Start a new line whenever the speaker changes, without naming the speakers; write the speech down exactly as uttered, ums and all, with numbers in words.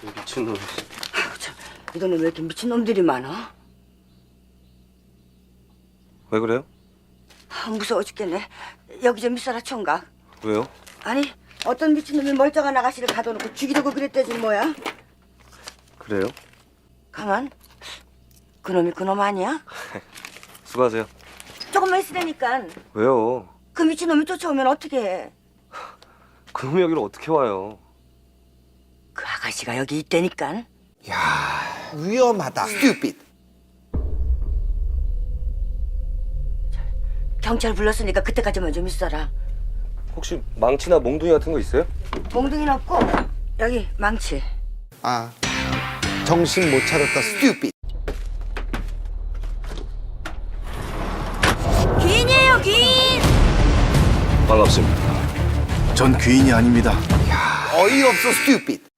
미친놈.
아유, 참, 이 동네 왜 이렇게 미친놈들이 많아?
왜 그래요?
아, 무서워 죽겠네. 여기 좀 있어라, 총각.
왜요?
아니, 어떤 미친놈이 멀쩡한 아가씨를 가둬놓고 죽이려고 그랬대지 뭐야?
그래요?
가만. 그놈이 그놈 아니야?
수고하세요.
조금만 있으라니까.
왜요?
그 미친놈이 쫓아오면 어떻게 해?
그놈이 여기를 어떻게 와요?
그 아가씨가 여기 있다니까.
위험하다. Stupid.
경찰 불렀으니까 그때까지만 좀 있어라.
혹시 망치나 몽둥이 같은 거 있어요?
몽둥이는 없고 여기 망치.
아, 정신 못 차렸다. Stupid.
귀인이에요, 귀인!
반갑습니다.
전 귀인이 아닙니다.
어이없어. Stupid.